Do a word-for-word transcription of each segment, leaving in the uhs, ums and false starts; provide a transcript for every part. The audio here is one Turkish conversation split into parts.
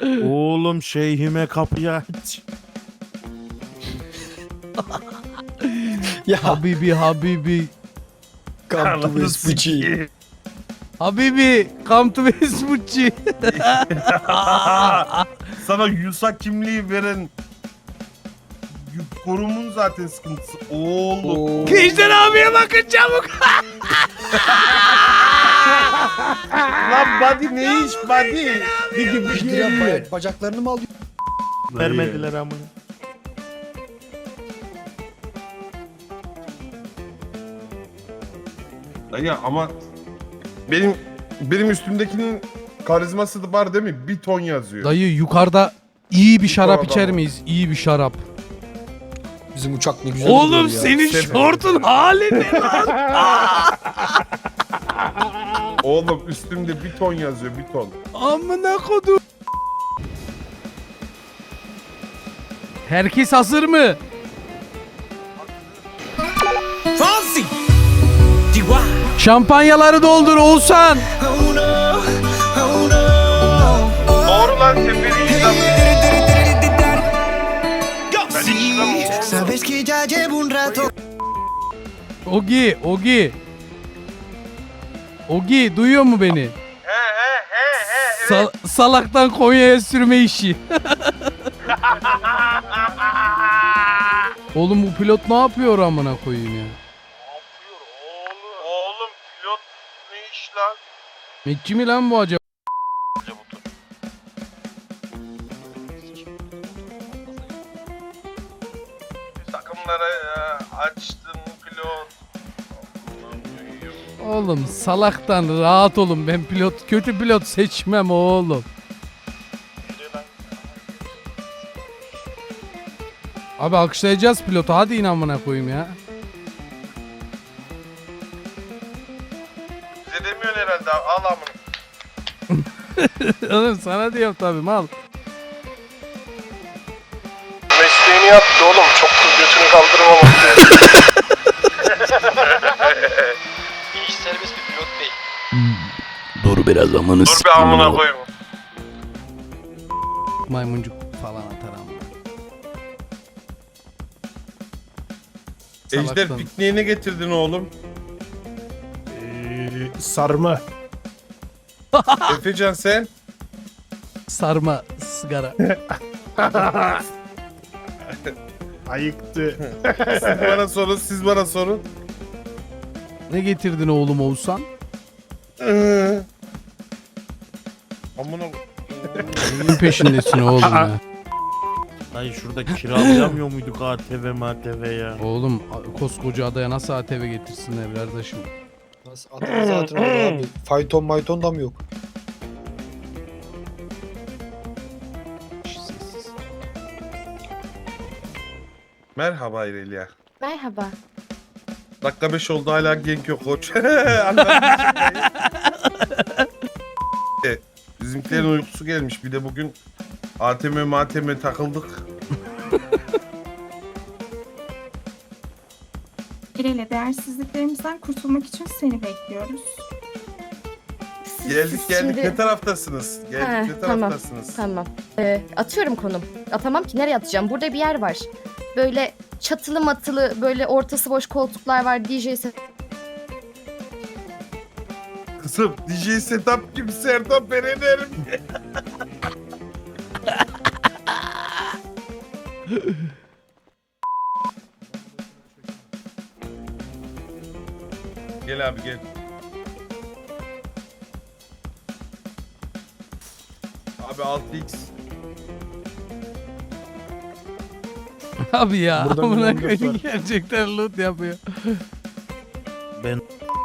Oğlum şeyhime kapıyı aç. Ya Habibi Habibi. come to Vespucci. Habibi come to Vespucci. Sana Yusa kimliği veren korumun zaten sıkıntısı. Oğlum. Kılıçdan abiye bakın çabuk. Lan body ne iş body? Bir gibi bir lira ba- bacaklarını mı alıyor? Vermediler amına. Ya ama benim benim üstümdekinin karizması da var değil mi? Bir ton yazıyor. Dayı yukarıda iyi bir şarap Yukarıda içer mı? miyiz? İyi bir şarap. Bizim uçak ne güzel Oğlum gidiyor ya. senin Sen- şortun hali ne lan? Oğlum üstümde bir ton yazıyor, bir ton. Amına kodum. Herkes hazır mı? Şampanyaları doldur Oğuzhan. Doğru lan seferi Sabes que ya llevo un rato. Ogi, Ogi. Ogi duyuyor mu beni? Sal- salaktan Konya'ya sürme işi. Oğlum bu pilot ne yapıyor amına koyayım ya? Oğlum pilot ne iş lan? Metçi mi lan bu acaba? Takımlara açtın pilot. Oğlum salaktan rahat olun, ben pilot kötü pilot seçmem oğlum. Abi alkışlayacağız pilotu, hadi in amına koyayım ya. Bize demiyorsun herhalde, al amına. Oğlum sana diyorum tabii, mal. Mesleğini yaptı oğlum, çok kız götünü kaldırmamak lazım. İş serbest bir pilot bey. Dur biraz amanı Dur bir amına koyayım. Maymuncuk falan atar amına. Ejder Salaktan. pikniğe ne getirdin oğlum? Sarma. Efecan sen? Sarma sigara. Ayıktı. Siz bana sorun, siz bana sorun. Ne getirdin oğlum Oğuzhan? Amına Neyin peşindesin oğlum ya? Dayı şurada kiralayamıyor muyduk A T V M T V ya? Oğlum koskoca adaya nasıl A T V getirsinler kardeşim? Nasıl atın zaten orada abi. Fayton mayton da mı yok? Merhaba İrelia. Merhaba. Dakika beş oldu hala genk yok koç. Anladım şakayı. E, Bizimkilerin uykusu gelmiş. Bir de bugün A T M M T M takıldık. İrele, değersizliklerimizden kurtulmak için seni bekliyoruz. Siz- Geldik siz geldik. şimdi- Ne taraftasınız? Geldik Ha, ne tamam, taraftasınız? Tamam. Ee, atıyorum konum. Atamam ki, nereye atacağım? Burada bir yer var. Böyle çatılı matılı, böyle ortası boş koltuklar var. D J set. Kızım D J setup gibi Serdar ben ederim. Gel abi gel. Abi altı x. Abi ya Buradan amına bir koyayım, on dört var. gerçekten loot yapıyor. Ben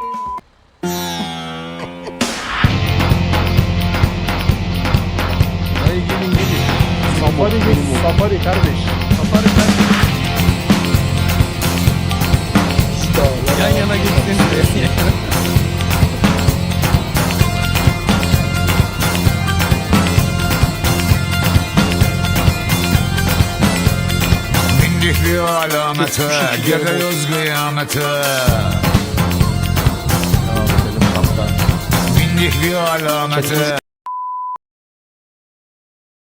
Dayı gelin gelin. Safari git. Safari kardeş. Safari kardeşim. İşte lan. Yan yana gitsenize. Bindik bir alamete, geliyoruz kıyamete. Bindik bir alamete.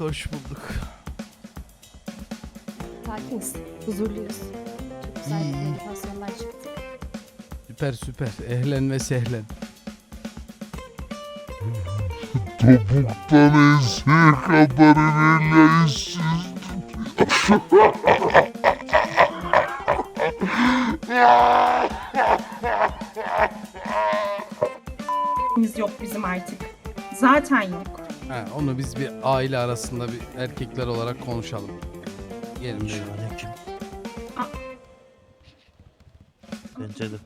Hoş bulduk. Sakiniz, huzurluyuz. Çok güzel İyi. meditasyonlar çıktı. Süper süper. Ehlen ve sehlen. Topuktan enseye kadar ilerleyiz. Biz yok bizim artık. Zaten yok. Ha, onu biz bir aile arasında bir erkekler olarak konuşalım. Gelin buyurun. Aleyküm. Aa. Bence de.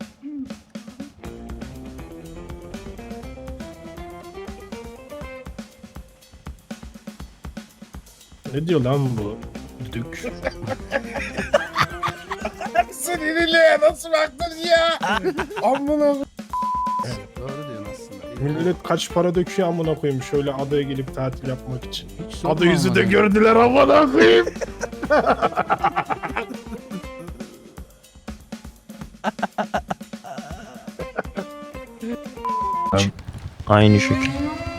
Ne diyor lan bu? Düdük. Sinirliye nasıl baktın ya? Amına. Doğru diyorsun aslında. Millet kaç para döküyor amına koyayım şöyle adaya gelip tatil yapmak için. Hiç sorma Ada yüzü ama de ya. gördüler amına koyayım. Aynı şekil.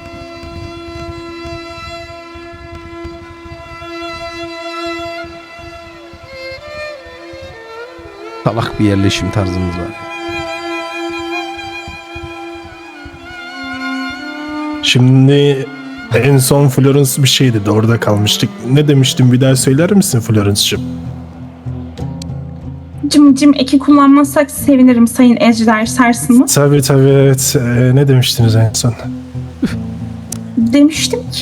Salak bir yerleşim tarzımız var. Şimdi en son Florence bir şey dedi orada kalmıştık. Ne demiştin bir daha söyler misin Florence'cığım? Cim cim eki kullanmazsak sevinirim Sayın Ejder Sarsınız. Tabii tabii evet. Ee, ne demiştiniz en son? Demiştim ki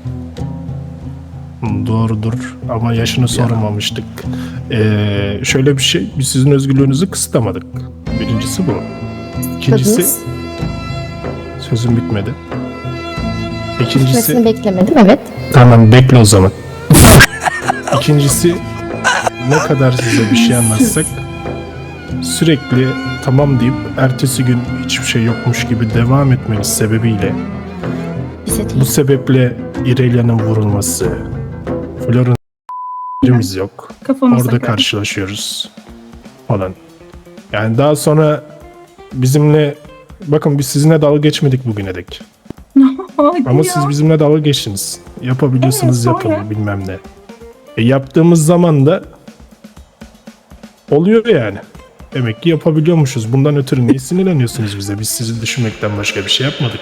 Hı, doğrudur ama yaşını sormamıştık. Ee, şöyle bir şey, biz sizin özgürlüğünüzü kısıtlamadık. Birincisi bu. İkincisi, Tadınız sözüm bitmedi. İkincisi, bitmesini beklemedim, evet. tamam bekle o zaman. İkincisi, ne kadar size bir şey anlatsak sürekli tamam deyip ertesi gün hiçbir şey yokmuş gibi devam etmeniz sebebiyle bu sebeple İrelia'nın vurulması, Florence'imiz yok. kafamıza Orada göre. karşılaşıyoruz falan. Yani daha sonra bizimle bakın biz sizinle dalga geçmedik bugüne dek. Hadi Ama ya. siz bizimle dalga geçtiniz. Yapabiliyorsunuz Evet, sonra? yapın bilmem ne. E, yaptığımız zaman da oluyor yani. Demek ki yapabiliyormuşuz. Bundan ötürü niye sinirleniyorsunuz bize? Biz sizi düşünmekten başka bir şey yapmadık.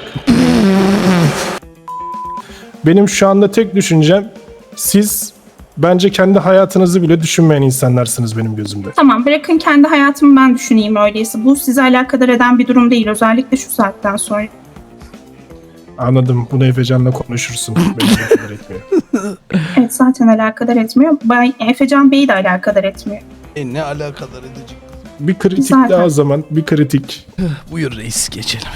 Benim şu anda tek düşüncem siz bence kendi hayatınızı bile düşünmeyen insanlarsınız benim gözümde. Tamam bırakın kendi hayatımı ben düşüneyim öyleyse. Bu sizi alakadar eden bir durum değil özellikle şu saatten sonra. Anladım. Bunu Efecan'la konuşursun. Beni alakadar etmiyor. Evet zaten alakadar etmiyor. Bay Efecan Bey'i de alakadar etmiyor. E ne alakadar edecek? Bir kritik Zaten. daha o zaman. Bir kritik. Buyur reis geçelim.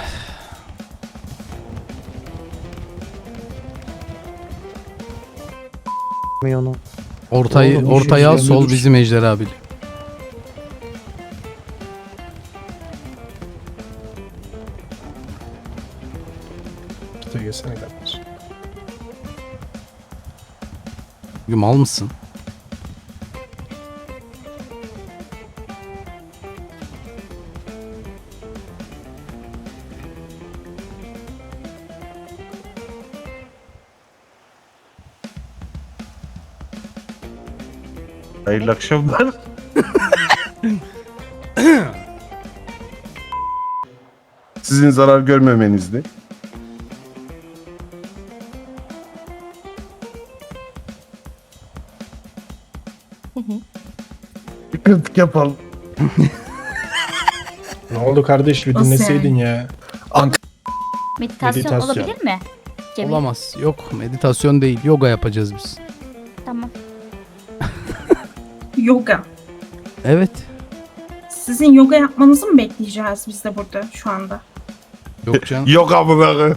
Onu. Ortayı Oğlum, ortaya al, işin sol üzerinde dur. bizim Ejder abi. Tuta gelsene kardeş. Bugün mal mısın? Hayırlı akşamlar. Sizin zarar görmemenizdi. Bir kritik yapalım. Ne oldu kardeş? Bir Nasıl dinleseydin ya. Meditasyon, Meditasyon. olabilir mi? Cemil. Olamaz. Yok meditasyon değil. Yoga yapacağız biz. Tamam. Yoga. Evet. Sizin yoga yapmanızı mı bekleyeceğiz biz de burada şu anda? Yok canım. Yok abi.